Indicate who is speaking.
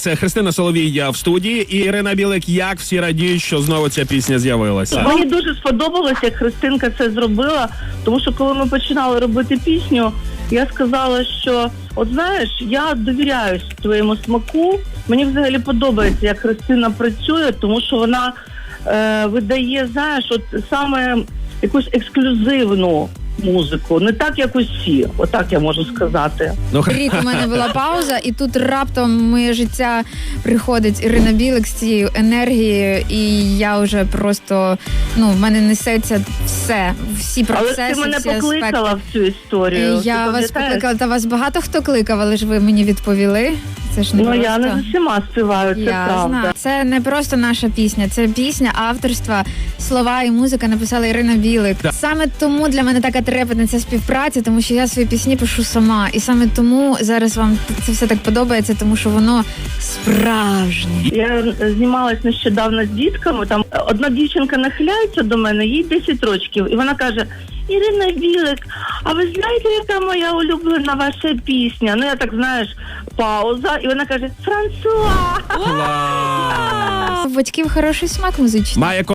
Speaker 1: Це Христина Соловій в студії і Ірина Білик. Як всі радіють, що знову ця пісня з'явилася?
Speaker 2: Мені дуже сподобалося, як Христинка це зробила, тому що коли ми починали робити пісню, я сказала, що от знаєш, я довіряюсь твоєму смаку. Мені взагалі подобається, як Христина працює, тому що вона видає, знаєш, от саме якусь ексклюзивну музику, не так, як усі, отак я можу сказати.
Speaker 3: Рік у мене була пауза, і тут раптом в моє життя приходить Ірина Білик з цією енергією, і я вже просто, в мене несеться все, всі процеси,
Speaker 2: але ти мене
Speaker 3: всі
Speaker 2: покликала
Speaker 3: аспекти.
Speaker 2: в цю історію.
Speaker 3: Я
Speaker 2: Ти
Speaker 3: вас
Speaker 2: пам'ятаєш?
Speaker 3: покликала, та вас багато хто кликав, але ж ви мені відповіли. Це ж не просто.
Speaker 2: Я не з усіма співаю, це
Speaker 3: Я
Speaker 2: правда.
Speaker 3: знаю. Це не просто наша пісня, це пісня авторства, слова і музика написала Ірина Білик.
Speaker 1: Да.
Speaker 3: Саме тому для мене така трепетна ця співпраця, тому що я свої пісні пишу сама. І саме тому зараз вам це все так подобається, тому що воно справжнє.
Speaker 2: Я знімалась нещодавно з дітками, там одна дівчинка нахиляється до мене, їй 10 років, і вона каже: Ірина Білик, а ви знаєте, яка моя улюблена ваша пісня? Я так, знаєш, пауза, і вона каже: Франсуа!
Speaker 1: Клас!
Speaker 3: У батьків хороший смак музичний.
Speaker 1: Має